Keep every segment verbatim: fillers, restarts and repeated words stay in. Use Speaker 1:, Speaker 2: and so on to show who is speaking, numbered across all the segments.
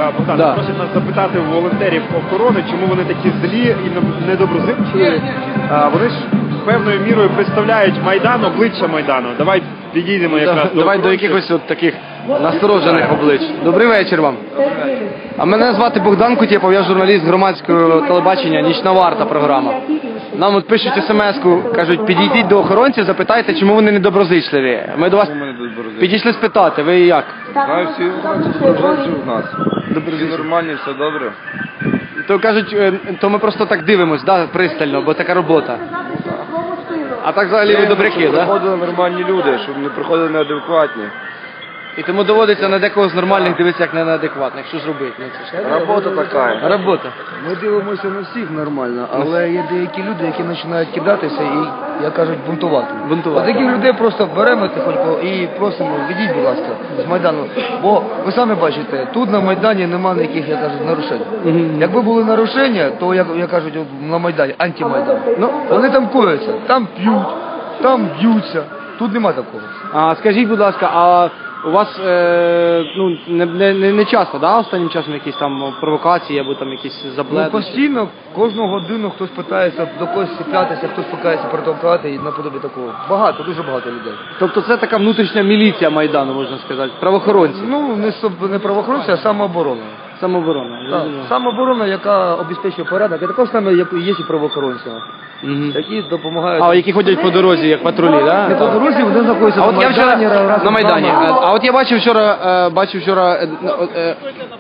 Speaker 1: Богдан,
Speaker 2: Да.
Speaker 1: просять нас запитати у волонтерів охорони, чому вони такі злі і недоброзичливі. А, Вони ж певною мірою представляють Майдан, обличчя Майдану. Давай підійдемо якраз
Speaker 2: Да,
Speaker 1: до
Speaker 2: давай до
Speaker 1: охоронців.
Speaker 2: якихось от таких насторожених облич. Добрий вечір вам. А мене звати Богдан Кутєпов, я журналіст громадського телебачення «Нічна варта» програма. Нам от пишуть смс-ку, кажуть, підійдіть до охоронців, запитайте, чому вони недоброзичливі. Ми до вас підійшли спитати, ви як?
Speaker 3: Знаю, всі доброзичливі в нас. Всі нормальні, все добре.
Speaker 2: То кажуть, е, то ми просто так дивимось, да, пристально, бо така робота. А так взагалі ви добряки,
Speaker 3: щоб
Speaker 2: да?
Speaker 3: приходили нормальні люди, щоб не приходили неадекватні.
Speaker 2: І тому доводиться на декого з нормальних дивитися, як не на неадекватних. Що ж робити? Ну, це ж
Speaker 3: Робота така.
Speaker 2: робота.
Speaker 4: Ми дивимося на всіх нормально, але є деякі люди, які починають кидатися і, як кажуть, бунтувати.
Speaker 2: Бунтувати.
Speaker 4: От таких людей просто беремо тихонько і просимо, відійдіть, будь ласка, з Майдану. Бо ви самі бачите, тут на Майдані немає ніяких, як кажуть, нарушень. Якби були нарушення, то, як, як кажуть, от на Майдані, антимайдан. Ну, вони там кояться, там п'ють, там б'ються. Тут нема такого.
Speaker 2: А скажіть, будь ласка, а у вас е, ну, не, не, не часто, да, останнім часом якісь там провокації або там якісь
Speaker 4: Ну,
Speaker 2: забледи?
Speaker 4: постійно, кожну годину хтось питається до когось сіплятися, хтось питається протовкати і наподобі такого. Багато, дуже багато людей.
Speaker 2: Тобто це така внутрішня міліція Майдану, можна сказати, правоохоронці,
Speaker 4: Ну, не, соб- не правоохоронці, а самооборона.
Speaker 2: самооборона.
Speaker 4: Так, самооборона, яка обезпечує порядок, і також саме як є і правоохоронці,
Speaker 2: Мгм.
Speaker 4: які допомагають.
Speaker 2: А, які ходять по дорозі, як патрулі,
Speaker 4: Не
Speaker 2: да?
Speaker 4: по дорозі, вони знаходяться
Speaker 2: А
Speaker 4: на
Speaker 2: от я
Speaker 4: Майдані,
Speaker 2: вчора
Speaker 4: разом
Speaker 2: на
Speaker 4: з
Speaker 2: Майдані.
Speaker 4: нами.
Speaker 2: А, а от я бачив вчора, е, бачив вчора. Е, е,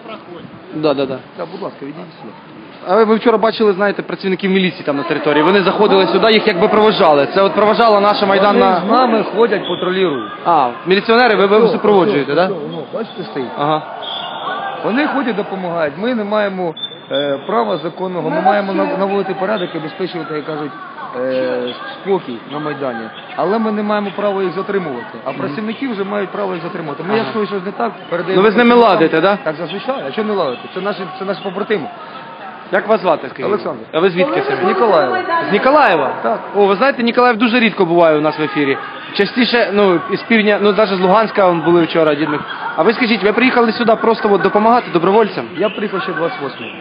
Speaker 2: да, да, да.
Speaker 4: Так, будь ласка, відійдіть сюди.
Speaker 2: А ви, ви вчора бачили, знаєте, працівників міліції там на території. Вони заходили сюди, їх якби провожали. Це от провожала наша
Speaker 4: Вони
Speaker 2: майданна.
Speaker 4: з нами ходять, патрулюють.
Speaker 2: А, міліціонери, ви, ви супроводжуєте, так? Да?
Speaker 4: Ну, бачите, стоїть.
Speaker 2: Ага.
Speaker 4: Вони ходять, допомагають. Ми не маємо е, права законного, ми маємо нав- наводити порядок і обезпечувати, як кажуть, е, спокій на Майдані. Але ми не маємо права їх затримувати. А працівники вже мають право їх затримувати. Ми, якщо щось не так, передаємо...
Speaker 2: Ну ви з ними ладите, да?
Speaker 4: Так, зазвичай. А що не ладити? Це наші, це наші побратими.
Speaker 2: Як вас звати, скажіть?
Speaker 4: Олександр.
Speaker 2: А ви звідки самі?
Speaker 4: З Ніколаєва.
Speaker 2: З Ніколаєва?
Speaker 4: Так.
Speaker 2: О, ви знаєте, Ніколаїв дуже рідко буває у нас в ефірі. Частіше, ну, із півдня, ну, навіть з Луганська вон були вчора, дідник. А ви скажіть, ви приїхали сюди просто от допомагати добровольцям?
Speaker 4: Я приїхав ще двадцять восьмого.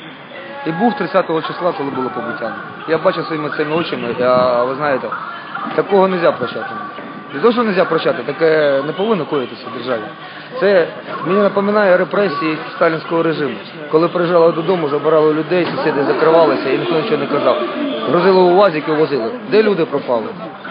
Speaker 4: І був тридцятого числа, коли було побиття. Я бачив своїми цими очима, а ви знаєте, такого не можна прощати. Не те, що не можна прощати, таке не повинно коїтися в державі. Це мені напоминає репресії сталінського режиму. Коли приїжджали додому, забирали людей, сусіди закривалися і ніхто нічого не казав. Грузили у УАЗик і возили. Де люди пропали?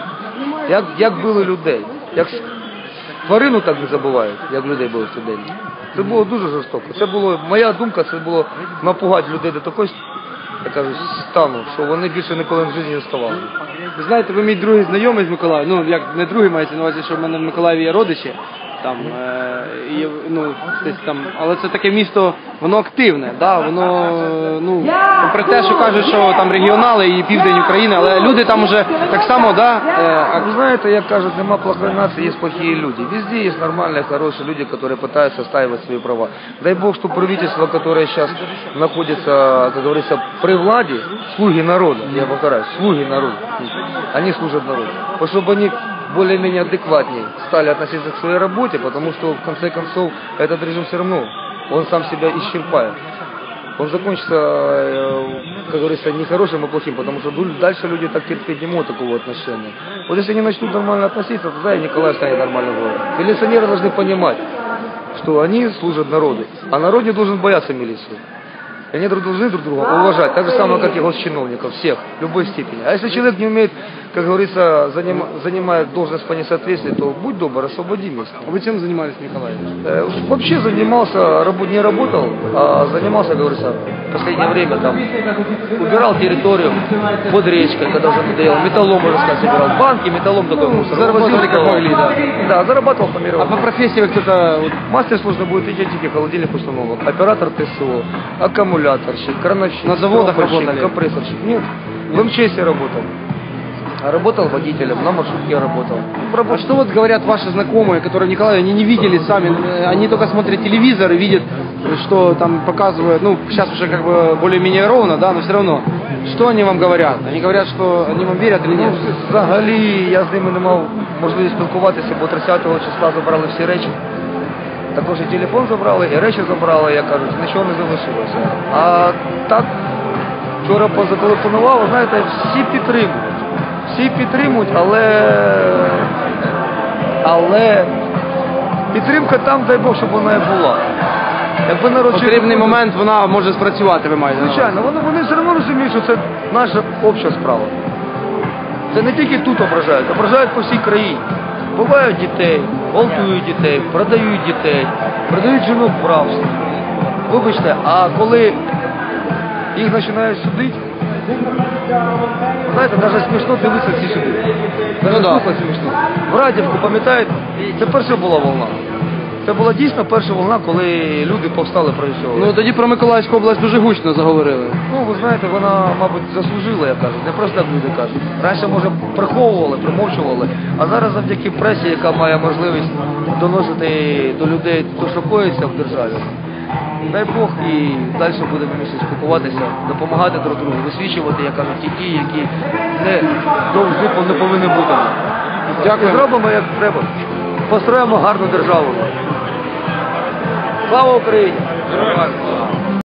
Speaker 4: Як, як били людей? Як тварину так не забувають, як людей били в цей день. Це було дуже жорстоко. Це було, моя думка, це було напугати людей до такої, я кажу, стану, що вони більше ніколи в житті не вставали.
Speaker 2: Ви знаєте, ви мій другий знайомий з Миколаєва, ну, як не другий, мається на увазі, що в мене в Миколаєві є родичі, там, е, і, ну, десь там, але це таке місто, воно активне, да, воно, ну, попри те, що кажуть, що там регіонали і південь України, але люди там уже так само, да, е,
Speaker 4: А вы знаете, як кажут, нема плохой нации, есть плохие люди. Везде есть нормальные, хорошие люди, которые пытаются отстаивать свои права. Дай Бог, что правительство, которое сейчас находится, как говорится, при владе, слуги народа, я повторяю, слуги народа, они служат народу. Вот чтобы они более-менее адекватнее стали относиться к своей работе, потому что в конце концов этот режим все равно, он сам себя исчерпает. Он закончится, как говорится, не хорошим, а плохим, потому что дальше люди так терпеть не могут такого отношения. Вот если они начнут нормально относиться, тогда и Николай станет нормальным городом. Милиционеры должны понимать, что они служат народу, а народ не должен бояться милиции. И они должны друг друга уважать, так же самое, как и госчиновников, всех, в любой степени. А если человек не умеет, как говорится, заним, занимает должность по несоответствию, то будь добр, освободи место.
Speaker 2: А вы чем занимались, Николай?
Speaker 4: Э, Вообще занимался, рабо- не работал, а занимался, как говорится, в последнее время там, убирал территорию под речкой, когда уже надоело, металлом, можно сказать, убирал, банки, металлом такой мусор.
Speaker 2: Заработали
Speaker 4: Возил,
Speaker 2: как могли, да?
Speaker 4: Да, зарабатывал по
Speaker 2: А
Speaker 4: мировому.
Speaker 2: по профессии вы кто-то... вот,
Speaker 4: Мастер службы будет идентики, холодильник установок, оператор ТСО, аккумуляторщик, крановщик,
Speaker 2: На заводах
Speaker 4: стропорщик,
Speaker 2: работали?
Speaker 4: компрессорщик. Нет, в МЧС работал. А работал водителем, на маршрутке я работал.
Speaker 2: А что вот говорят ваши знакомые, которые в Николаеве, они не видели сами, э, они только смотрят телевизор и видят, что там показывают, ну, сейчас уже как бы более-менее ровно, да, но все равно. Что они вам говорят? Они говорят, что они вам верят или нет?
Speaker 4: Ну, взагалі, я з ними не мав можливості спілкуватися, бо тридцятого числа забрали всі речі. Також і телефон забрали, і речі забрали, як кажуть, нічого не залишилося. А так, вчора позателефонував, знаєте, всі підтримують. Всі підтримують, але, але підтримка там, дай Бог, щоб вона і була. Якби народ
Speaker 2: В потрібний момент вона може спрацювати, ви маєте.
Speaker 4: Звичайно, вони, вони все одно розуміють, що це наша обща справа. Це не тільки тут ображають, ображають по всій країні. Бувають дітей, гвалтують дітей, продають дітей, продають жінок в рабство. Вибачте, а коли їх починають судити, знаєте, навіть смішно дивитися ці суди. Навіть
Speaker 2: Ну, да.
Speaker 4: слухати смішно. В Радівку, пам'ятаєте, це перша була волна. Це була дійсно перша волна, коли люди повстали проти цього.
Speaker 2: Ну тоді про Миколаївську область дуже гучно заговорили.
Speaker 4: Ну, ви знаєте, вона, мабуть, заслужила, як кажуть, не просто так люди кажуть. Раніше, може, приховували, примовчували, а зараз завдяки пресі, яка має можливість доносити до людей те, що коїться в державі. Дай Бог, і далі будемо місяць спілкуватися, допомагати друг другу, висвічувати, як кажуть, ті ті, які не, не повинні бути.
Speaker 2: Дякую.
Speaker 4: Зробимо, як треба. Построїмо гарну державу. Слава Україні!